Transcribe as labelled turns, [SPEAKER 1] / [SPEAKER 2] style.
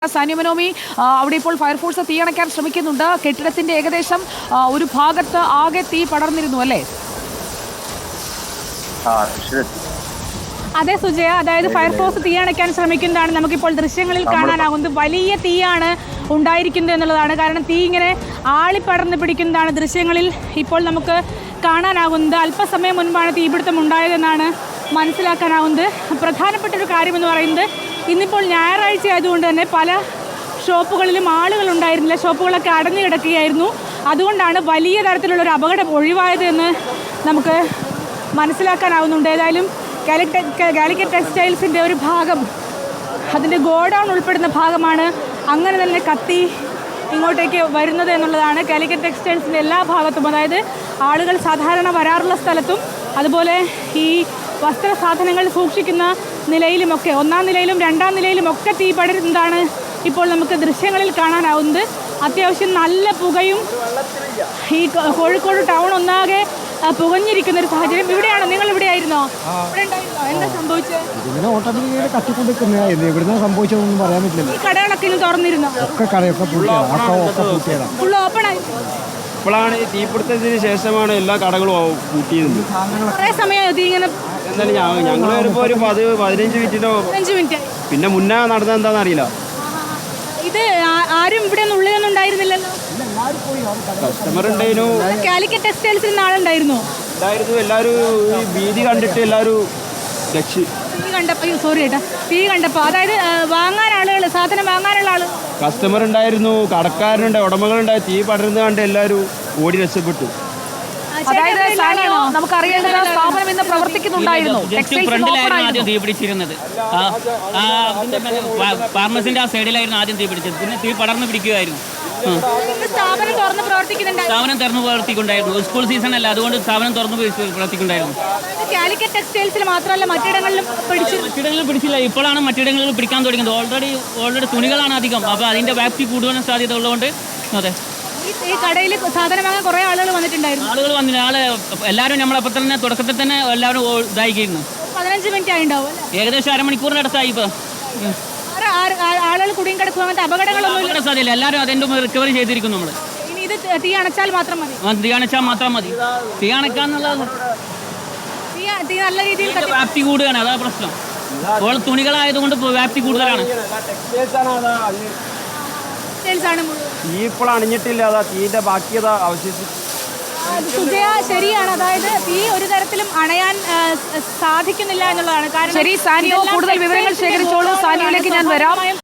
[SPEAKER 1] സാനിയ മനോമി, അവിടെ ഇപ്പോൾ ഫയർഫോഴ്സ് തീയണയ്ക്കാൻ ശ്രമിക്കുന്നുണ്ട്. കെട്ടിടത്തിന്റെ ഏകദേശം ഒരു ഭാഗത്ത് ആകെ തീ പടർന്നിരുന്നു അല്ലേ?
[SPEAKER 2] അതെ സുജയ, അതായത് ഫയർഫോഴ്സ് തീയണയ്ക്കാൻ ശ്രമിക്കുന്നതാണ് നമുക്കിപ്പോൾ ദൃശ്യങ്ങളിൽ കാണാനാകുന്നത്. വലിയ തീയാണ് ഉണ്ടായിരിക്കുന്നത് എന്നുള്ളതാണ്. കാരണം തീ ഇങ്ങനെ ആളിപ്പടർന്ന് പിടിക്കുന്നതാണ് ദൃശ്യങ്ങളിൽ ഇപ്പോൾ നമുക്ക് കാണാനാകുന്നത്. അല്പസമയം മുൻപാണ് തീപിടുത്തം ഉണ്ടായതെന്നാണ് മനസ്സിലാക്കാനാവുന്നത്. പ്രധാനപ്പെട്ട ഒരു കാര്യമെന്ന് പറയുന്നത്, ഇന്നിപ്പോൾ ഞായറാഴ്ച ആയതുകൊണ്ട് തന്നെ പല ഷോപ്പുകളിലും ആളുകൾ ഉണ്ടായിരുന്നില്ല. ഷോപ്പുകളൊക്കെ അടഞ്ഞു കിടക്കുകയായിരുന്നു. അതുകൊണ്ടാണ് വലിയ തരത്തിലുള്ളൊരു അപകടം ഒഴിവായത് എന്ന് നമുക്ക് മനസ്സിലാക്കാനാവുന്നുണ്ട്. ഏതായാലും കാലിക്കറ്റ് ടെക്സ്റ്റൈൽസിൻ്റെ ഒരു ഭാഗം, അതിൻ്റെ ഗോഡൗൺ ഉൾപ്പെടുന്ന ഭാഗമാണ് അങ്ങനെ തന്നെ കത്തി ഇങ്ങോട്ടേക്ക് വരുന്നത് എന്നുള്ളതാണ്. കാലിക്കറ്റ് ടെക്സ്റ്റൈൽസിൻ്റെ എല്ലാ ഭാഗത്തും, അതായത് ആളുകൾ സാധാരണ വരാറുള്ള സ്ഥലത്തും അതുപോലെ ഈ വസ്ത്ര സാധനങ്ങൾ സൂക്ഷിക്കുന്ന നിലയിലുമൊക്കെ, ഒന്നാം നിലയിലും രണ്ടാം നിലയിലും ഒക്കെ തീ പടരുന്നതാണ് ഇപ്പോൾ നമുക്ക് ദൃശ്യങ്ങളിൽ കാണാനാവുന്നത്. അത്യാവശ്യം നല്ല പുകയും, ഈ കോഴിക്കോട് ടൗൺ ഒന്നാകെ പുകഞ്ഞിരിക്കുന്ന ഒരു സാഹചര്യം. ഇവിടെയാണോ? നിങ്ങൾ ഇവിടെ ആയിരുന്നോ? ഇവിടെ ഉണ്ടായിരുന്നോ? എന്താ സംഭവിച്ചത്?
[SPEAKER 3] സംഭവിച്ചതൊന്നും പറയാൻ പറ്റില്ല.
[SPEAKER 2] ഈ കടകളൊക്കെ ഇന്ന് തുറന്നിരുന്നോ? ഫുൾ ഓപ്പൺ ആയി.
[SPEAKER 4] ഇപ്പോഴാണ് ഈ തീപിടുത്തത്തിന് ശേഷമാണ് എല്ലാ കടകളും പൂട്ടിയത്.
[SPEAKER 2] കുറേ സമയമായി തീ ഇങ്ങനെ.
[SPEAKER 4] എന്നാലും ഞങ്ങൾ വരുമ്പോൾ ഒരു 15
[SPEAKER 2] മിനിറ്റ്.
[SPEAKER 4] പിന്നെ മുന്നേ നടന്നത് എന്താണെന്ന് അറിയില്ല.
[SPEAKER 2] ഇത് ആരും ഇവിടെ ഒന്നും ഉള്ളിലൊന്നും ഉണ്ടായിരുന്നില്ലല്ലോ.
[SPEAKER 4] കസ്റ്റമർ ഉണ്ടായിരുന്നു.
[SPEAKER 2] കാലിക്കറ്റ് ടെക്സ്റ്റൈൽസിൽ നാളുണ്ടായിരുന്നു.
[SPEAKER 4] എല്ലാവരും ഈ ഭീതി കണ്ടിട്ട് എല്ലാവരും രക്ഷി.
[SPEAKER 2] തീ കണ്ടപ്പോൾ അതായത് വാങ്ങാൻ ആളുകൾ, സാധനം വാങ്ങാനുള്ള ആള്,
[SPEAKER 4] കസ്റ്റമർ ഉണ്ടായിരുന്നു, കടക്കാരനുണ്ട്, ഉടമകളുണ്ടായി. തീ പടരുന്നത് കണ്ട് എല്ലാവരും ഓടി രക്ഷപ്പെട്ടു.
[SPEAKER 1] അതായത് സാനിയോ, നമുക്കറിയേണ്ടത് സ്ഥാപനം ഇന്ന് പ്രവർത്തിക്കുന്നുണ്ടായിരുന്നു.
[SPEAKER 5] ആദ്യം തീ പിടിച്ചിരുന്നത് ഫാർമസിന്റെ ആ സൈഡിലായിരുന്നു ആദ്യം തീ പിടിച്ചത്. പിന്നെ തീ പടർന്നു പിടിക്കുകയായിരുന്നു.
[SPEAKER 2] സ്ഥാപനം തുറന്ന്
[SPEAKER 5] പ്രവർത്തിക്കുന്നുണ്ടായിരുന്നു. സ്കൂൾ സീസൺ അല്ല, അതുകൊണ്ട് സ്ഥാപനം തുറന്നു പ്രവർത്തിക്കുന്നുണ്ടായിരുന്നു.
[SPEAKER 2] കാലിക്കറ്റ് ടെക്സ്റ്റൈൽസിൽ മാത്രമല്ല മറ്റിടങ്ങളിലും
[SPEAKER 5] പിടിച്ചില്ല. ഇപ്പോഴാണ് മറ്റിടങ്ങളിൽ പിടിക്കാൻ തുടങ്ങിയത്. ഓൾറെഡി തുണികളാണ് അധികം. അപ്പോൾ അതിന്റെ വ്യാപ്തി കൂടുതൽ സാധ്യത ഉള്ളതുകൊണ്ട് അതെ,
[SPEAKER 2] ഈ കടയിൽ സാധനം വാങ്ങാൻ കുറേ ആളുകൾ വന്നിട്ടുണ്ടായിരുന്നു.
[SPEAKER 5] എല്ലാവരും നമ്മളപ്പോൾ തന്നെ തുടക്കത്തിൽ തന്നെ എല്ലാവരും ഇതായിരിക്കുന്നു.
[SPEAKER 2] 15 മിനിറ്റ് ആയിണ്ടാവും.
[SPEAKER 5] ഏകദേശം അരമണിക്കൂറിന് അടുത്തായി. ഇപ്പോൾ
[SPEAKER 2] ആളുകൾ കുടുങ്ങി കിടക്കും, അങ്ങനത്തെ അപകടങ്ങളൊന്നും
[SPEAKER 5] സാധ്യതയില്ല. എല്ലാവരും അതിൻ്റെ റിക്കവറി ചെയ്തിരിക്കും. നമ്മൾ
[SPEAKER 2] ഇനി ഇത് തീ അണച്ചാൽ മാത്രം മതി.
[SPEAKER 5] തീ അണക്കാന്നുള്ളത്
[SPEAKER 2] തീ നല്ല രീതിയിൽ
[SPEAKER 5] വ്യാപ്തി കൂടുകയാണ്. അതാ പ്രശ്നം. ഇപ്പോൾ തുണികളായതുകൊണ്ട് വ്യാപ്തി കൂടുതലാണ്.
[SPEAKER 4] തീ ഇപ്പോൾ അണിഞ്ഞിട്ടില്ല. അതാ തീന്റെ ബാക്കിയതാ അവശേഷിച്ചു.
[SPEAKER 2] സുജയ, ശരിയാണ്. അതായത് തീ ഒരു തരത്തിലും അണയാൻ സാധിക്കുന്നില്ല എന്നുള്ളതാണ്. കാരണം
[SPEAKER 1] ശരി സാനിയോ, കൂടുതൽ വിവരങ്ങൾ ശേഖരിച്ചോളൂ. സാനിയോയിലേക്ക് ഞാൻ വരാം.